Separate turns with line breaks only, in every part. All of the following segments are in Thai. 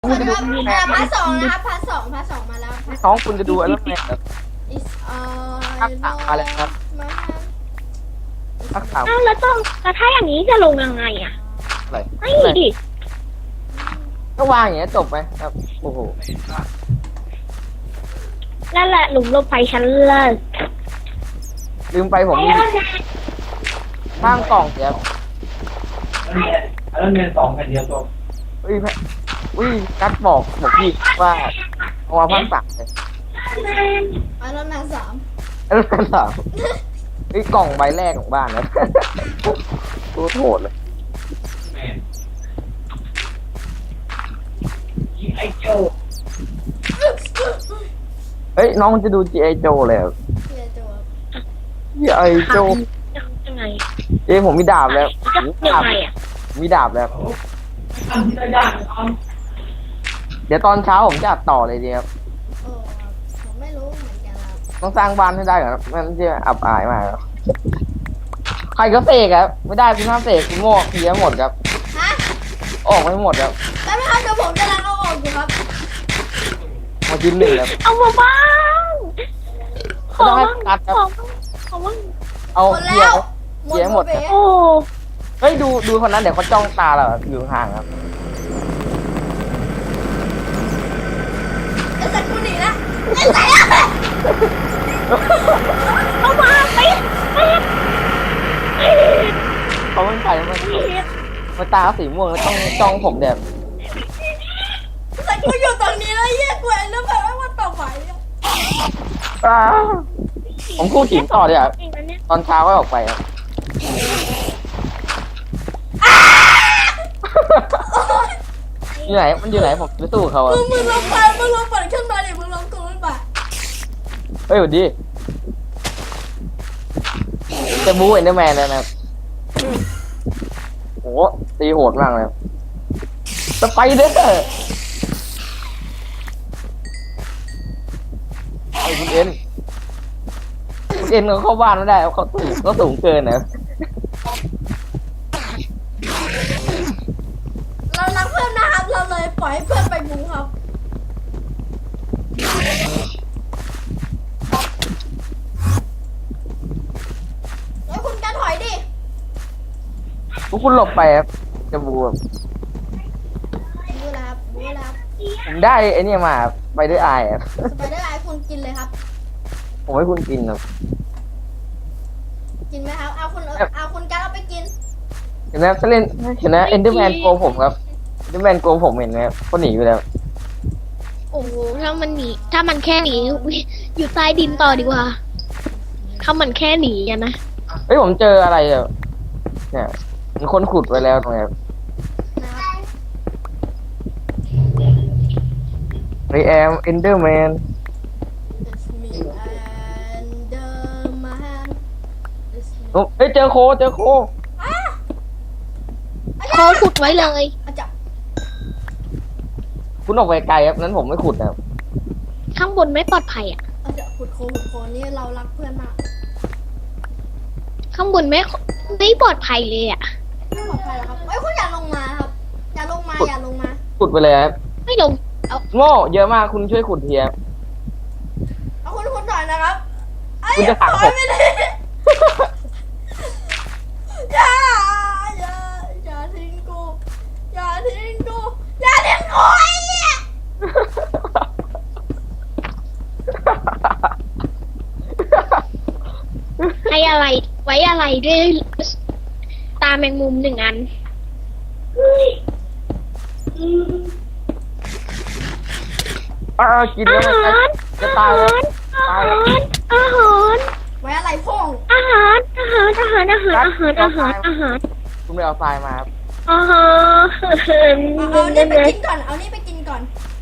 คุณจะดู
พาร์ทสองนะครับพาร์ทสองมาแล้ว
น้องคุณจะดูอะไรแบบ
is
ทักษะอะไรครับ
มา
ทักษะ
อ้าวแล้วถ้าอย่างนี้จะลงยังไงอ่ะ
อะไร
ไม่ดิ
ก็วางอย่างเงี้ยจบไหมครับโอ้โห
นั่นแหละหลุมลงไปชั้นเลิศ
ลืมไปผมมีข้างกล่องเดี๋ยว
แล้วเงินสองกันเดียวจบ
อุ้ยกัดบอกพี่ว่าเอามาพักตักเลย
แล้วนางสาม
นั่นเหรอกล่องใบแรกของบ้านนะโคตรโหดเลย
แม่ยิงไอ้โจ
เฮ้ยน้องจะดู G.I. Joe เลย
เฮียโจ
G.I. Joe
ยังไง
ผมมีดาบแล้ว
จะยังไงอ่ะ
มีดาบแล้ว
ทำที่ได้ยากนะ
เดี๋ยวตอนเช้าผมจะอัดต่อเลยดีครับ
โอ้ผมไม่รู้เหมือนกันครับ
ต้องสร้างบ้านให้ได้ก่อนครับมันจะอับอายมากครับใครก็เสกครับไม่ได้คุณห้ามเสกคุณโง่เพี้ยหมดครับ
ฮะ
ออกไม่หมดครับ
แล้วไม่ครับเดี๋ยวผมจะล้างเอาออกอยู่ครับ
มากินหนึ่งครับ
เอามาบ้างขอ
ไม่ต้องให้
บ้าง
กัดครับ
ขอบ้าง
เอา
หมด
เพี้
แล้
ยว เพี้ยหมดครับ
โอ้
เฮ้ยดูคนนั้นเดี๋ยวเขาจ้องตาเราครับอยู่ห่างครับ
ไอ้สัตว์กูหนีนะไอ้สัตว์
เอามาไป
เขาไม่ไปมันตาสีม่วงแล้วต้องจ้องผมแบบ
แต่กูอยู่ตรงนี้แล้วเยี่ยกูเอ็นแล้วแบบว่ามันต่อไหวอะ
ผมคู่ขิงต่อเลยอ่ะ
เองนะเนี่ย
ตอนเช้าก็ออกไปครับอยู่ไหนมันอยู่ไหนผมไปสู้เขาอ่ะ
มึงลองไปมึงลองเปิดขึ้นมาดิมึงลองกดขึ้นมา
เฮ้ยสวัสดีจะบู๊เอ็นเดอร์แมนแล้วนะครับโหตีโหดมากเลยสไปเดอร์ไอ้คุณเอ็นเขาเข้าบ้านไม่ได้เขาสูงเกินนะ
เรารักเพื่อนนะครับเราเลยปล่อยให้เพื่อนไปบูครับแล้วคุณกันถอยดิ
พวกคุณหลบไปครับจะบูครับ
บูแล้วครับบูแล้วครับ
ผมได้ไอ้นี่มาครับไปด้วยไอครับ
สไปเดอร์ไอคุณกินเลยครับ
ผมให้คุณกินครับ
กินไหมครับเอาคุณกันเอาไปกิน
เห็นไหมถ้าเล่นเห็นไหมเอ็นเดอร์แมนโกผมครับเอ็นเดอร์แมนโกผมเห็นไหมครับเขาหนีไปแล้ว
โอ้โหถ้ามันแค่หนีอยู่ใต้ดินต่อดีกว่า ถ้ามันแค่หนีอะนะ
เฮ้ยผมเจออะไรอ่ะเนี่ยมีคนขุดไว้แล้วตรงนี้ครับ
นะครับ
I am Enderman
It's me and the man It's me
โอ้เฮ้ยเจอโค
อ่ะ
โคขุดไว้เลย
อาจารย์
คุณออกไปไกลครับนั้นผมไม่ขุดนะครับ
ข้างบนไม่ปลอดภัยอ่ะ
อาจารย์ขุดโคนี่เรารักเพื่อนมาก
ข้างบนไม่ปลอดภัยเลยอ่ะ
ไม่ปลอดภัยหรอครับเอ้ยคุณอย่าลงมาครับอย่าลงมา
ขุดไปเลยครับ
ไม่ลง
โง่เยอะมากคุณช่วยขุดเทียบ
เอาคุณหน่อยนะครับไอ้
คุณจะถามผม
ปล่อยไม่ได้อย่าทิ้งกูอย่าทิ้งกูไอ้เหี้ย
ให้อะไรไว้อะไรด้วยตาแมงมุม1 อัน
กินแล้วมันจะตายแล้วตายแล้ว
อาหาร
ไว้อะไรพ่อง
อาหาร
คุณไปเอาทรายมาครับ
อาหาร
เอานี่ไปกินก่อนเอานี่ไปกินก่อน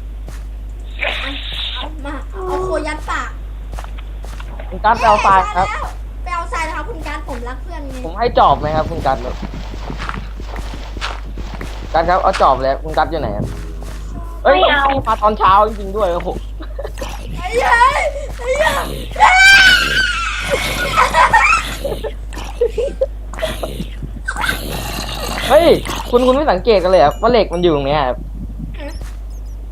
เอามาเอาโคยัดปาก
คุณกัดไปเอาทรายครับ
ไปเอาทรายนะครับคุณการผมรักเพื่อนไง
ผมให้จอบไหมครับคุณกัดกัดครับเอาจอบเลยคุณกัดอยู่ไหนครับเอ้ยมาตอนเช้าจริงๆด้วยโอ้โห
ไอ้ยัยไอ้ยัย
เฮ้ยคุณไม่สังเกตกันเลยครับว่าเหล็กมันอยู่ตรงเนี้ยครับ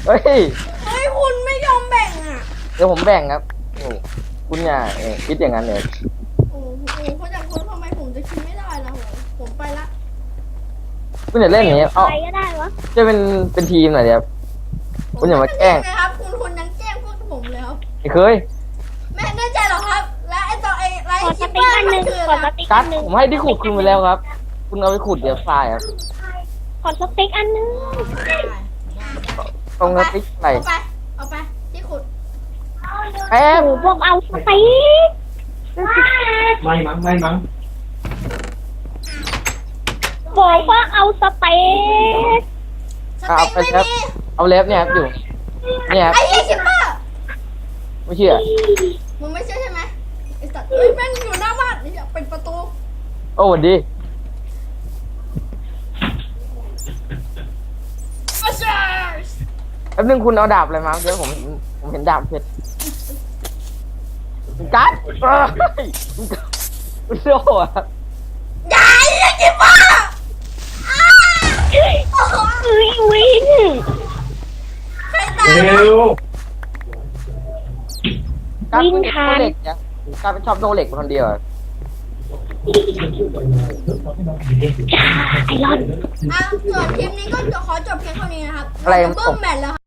เฮ้ย
เฮ้ยคุณไม่ยอมแบ่งอ่ะ
เดี๋ยวผมแบ่งครับโอ้คุณอย่าคิดอย่างนั้นเลย
โอ้โหเพราะจากคุณทำไมผมจะคิดไม่ได้ล่ะผมไปละ
คุณอย่าเล่นอย่างนี้
ใค
เอา
รก็ได้วะ
จะเป็นทีมหน่อยเดียว คุณอย่ามาแกล้ง
นะครับคุณยังแกล้งพวกผมเลยครับ
ไม่เคย
แม่แน่ใจเหรอครับ และไอ้ตัวไอ้ไร
ขอส
คิปเป
ติ๊
อก ร์
อันห
มั
นึ่
น
ง
คือ
ขอ
อะไร
สติ๊ก
กั
อั
ด
นหนึ่ง
ผมให้ที่ขุดคุณไปแล้วครับ คุณเอาไปขุดเดี๋ยวทรายครับ
ขอสติ๊กอันหนึ่ง
ตรงนั้นติ๊กไหน
เอาไปที่ขุด
แป๊บ
โอ้พวกเอาสติ๊ก
ไม่มั้ง
บอกว่าเอาสเต็ก
สเต็กไม่มี
เอาเล็บเนี่ยครับอยู่เนี่ยครับ
ไอ้เหี้ยคิปเปอร์
ไม่เชื่อ
มึงไม่เชื่อใช่ไหมไอ้สัตว์เอ้ยแม่งอยู่หน้าบ้านนี่อย่าปิดประตู
โอ้สวัสดี
มาเชอร์ส
แป๊บนึงคุณเอาดาบอะไรมาเดี๋ยวผมเห็นดาบเพชรกัดเฮ้ยคุณโซ่อะ
อย่าไอ้เหี้ยคิปเปอร์อ้าโอ้โห
เอ้ยวิน
ใครตาย
เร็ว
กัดคุณโซ่เหล็กเนี่ยกัดเป็นชอบโซ่เหล็กคนเดียวอะ
ไอรอน
ส่วนคลิปนี้ก็ขอจบเพียงเท่านี้นะครับ
อะไร
เบิ้มแมทแล้ว